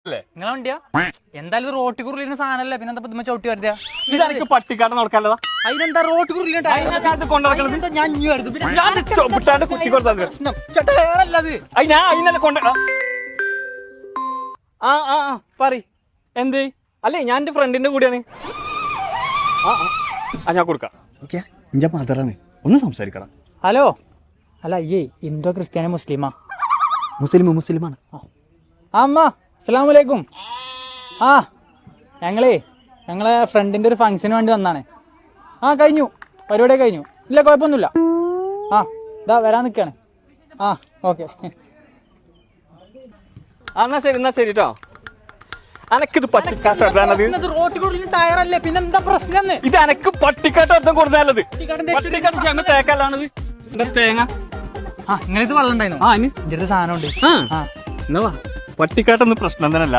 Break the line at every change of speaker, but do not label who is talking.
നിങ്ങളെ വണ്ടിയാ എന്തായാലും റോട്ടി കുറിലിന് സാധനല്ലേ പിന്നെ എന്താ ചവിട്ടി വരുത്തിയാ
ഇതെനിക്ക് പട്ടിക്കാട് നടക്കാനുള്ളതാ.
അതിനെന്താ റോട്ടി
അതിനകത്ത് കൊണ്ടുനടക്കണത് ഞാൻ ചവിട്ടാണ്ട് കുത്തി കൊടുത്തത്.
പ്രശ്നം
ഞാൻ അതിനല്ലേ കൊണ്ട പറ എന്ത് അല്ലേ ഞാൻ എന്റെ ഫ്രണ്ടിന്റെ കൂടെയാണ്. ഞാൻ കൊടുക്കാം. ഓക്കെ എന്റെ മദറാണ്, ഒന്ന് സംസാരിക്കണം.
ഹലോ അല്ല അയ്യേ ഹിന്ദു ക്രിസ്ത്യാനി മുസ്ലിമാ?
മുസ്ലിമാണ്.
അമ്മ അസ്സലാമലൈക്കും. ഞങ്ങളെ ഫ്രണ്ടിന്റെ ഒരു ഫംഗ്ഷന് വേണ്ടി വന്നാണ്. കഴിഞ്ഞു, പരിപാടി കഴിഞ്ഞു. ഇല്ല കുഴപ്പമൊന്നുമില്ല. ഇതാ വരാൻ നിൽക്കാണ്. ഓക്കെ.
എന്നാ ശരി കേട്ടോ. അനക്കിത് പട്ടിക്കാട്ടത്
ടയറല്ലേ പിന്നെ എന്താ പ്രശ്നം?
ഇത് എനക്ക് പട്ടിക്കാട്ട് അർത്ഥം കൊടുത്താലത് തേക്കല്ലാണത്. തേങ്ങ
നിങ്ങളിത് വെള്ളം ഉണ്ടായിരുന്നു.
ഇനി
സാധനം ഉണ്ട്.
എന്നാ പട്ടിക്കാട്ടൊന്നും പ്രശ്നം തന്നെയല്ല.